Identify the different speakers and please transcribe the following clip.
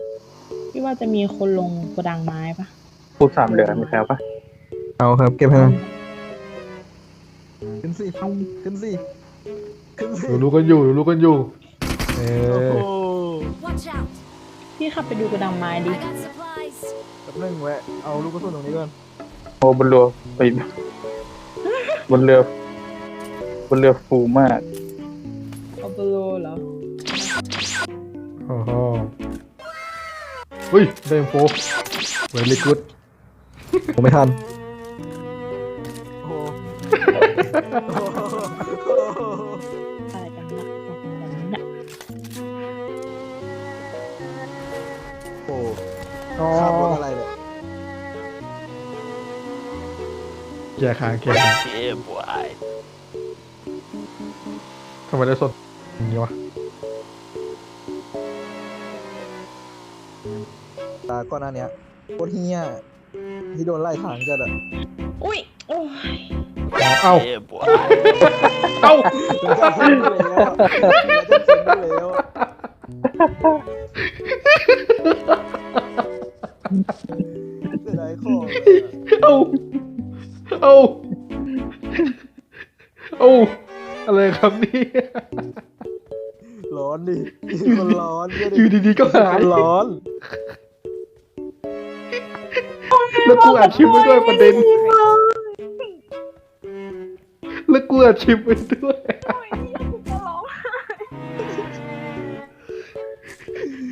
Speaker 1: พี่ว่าจะมีคนลงโกดังไม้ปะ
Speaker 2: พูดสามเหลือมีใครเอาปะ
Speaker 3: เอาครับเก็บให้หน่อย
Speaker 4: ขึ้นสิขึ้นสิขึ้นสิ
Speaker 5: รู้กันอยู่รู้กันอยู่เอ
Speaker 4: โอ้
Speaker 5: อ
Speaker 4: โห
Speaker 6: Watch out!
Speaker 1: พี่ขับไปดูโกดังไม้ดิ
Speaker 6: I got supplies.
Speaker 4: แป๊บนึงแวะเอาลูกกระสุนตรงนี้ก่อน
Speaker 2: โอ้บนเรือไปบนเรือบนเรือฟูมาก
Speaker 1: เอาเบโลเหรอ
Speaker 5: โอ้โหเฮ้ยได้อินโฟเวลี่กูด
Speaker 3: ผมไม่ทัน
Speaker 4: โอ้โห
Speaker 1: อะไรกันนะบอกอย่างนี้นะ
Speaker 4: โอ้โหขับรถอะไรเนี่ย
Speaker 5: แก่ค้างแก่ค้างทำไมได้สดอย่างนี้วะ
Speaker 4: ตาก่อนหน้าเนี้ยโคตรเฮี้ยที่โดนไล่ทางจัดอะ
Speaker 1: อุ้ยโอ้ย
Speaker 5: เอ้าเอ้า
Speaker 4: เป็นการเซ็นไปแล้วเป็นการเซ็นไปแล้วเสียดายของเลยอะ
Speaker 5: เอ้าเอ้าเอ้าอะไรครับเนี่ย
Speaker 4: ร้อนดิคนร้อนเนี่ยดิ
Speaker 5: อยู่ดีๆก็หาย
Speaker 4: คนร้อน
Speaker 5: แล้วกูอัดคลิปไว้ด้วยประเด็นแล้วกูอัดคลิปไว้ด้วย